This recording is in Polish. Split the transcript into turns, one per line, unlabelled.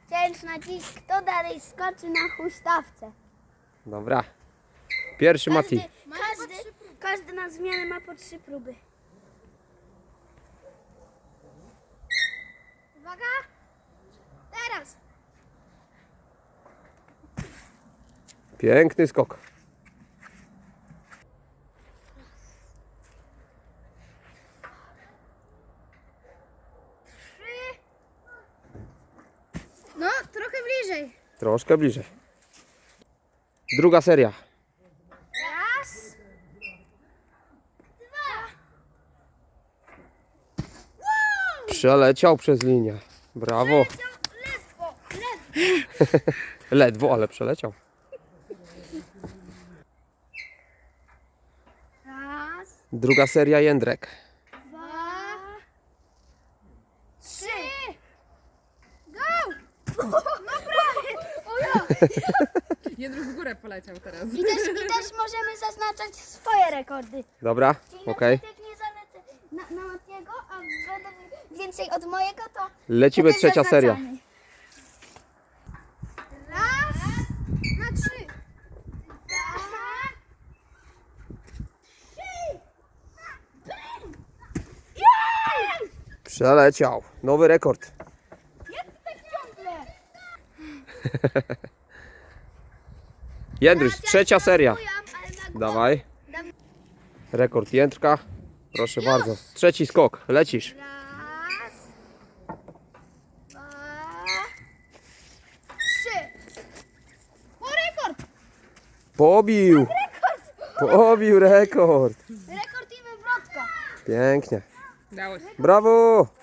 Cięż nacisk, kto dalej skoczy na huśtawce.
Dobra. Pierwszy Mati.
Każdy na zmianę ma po 3 próby. Uwaga! Teraz!
Piękny skok.
No, trochę bliżej.
Troszkę bliżej. Druga seria.
Raz. Dwa.
Przeleciał przez linię. Brawo.
Ledwo.
Ledwo, ale przeleciał.
Raz.
Druga seria Jędrek.
2. 3. Go! No prawie! O ja!
Jędruk w górę poleciał teraz.
I też możemy zaznaczać swoje rekordy.
Dobra,
Czyli
okej.
jak nie zalecę na Matiego, a będę więcej od mojego, to
Lecimy
to też
trzecia seria.
zaznaczamy. Raz, na 3. 2, 3. Jej!
Przeleciał. Nowy rekord.
Jak ty tak ciągle?
Jędruś, trzecia seria.
Ale na głowę.
Dawaj. Rekord Jędrka. Proszę bardzo. Trzeci skok. Lecisz.
Raz, 2, 3. O, rekord!
Pobił. Pobił rekord.
Rekord i wywrotka.
Pięknie.
Dało się.
Brawo.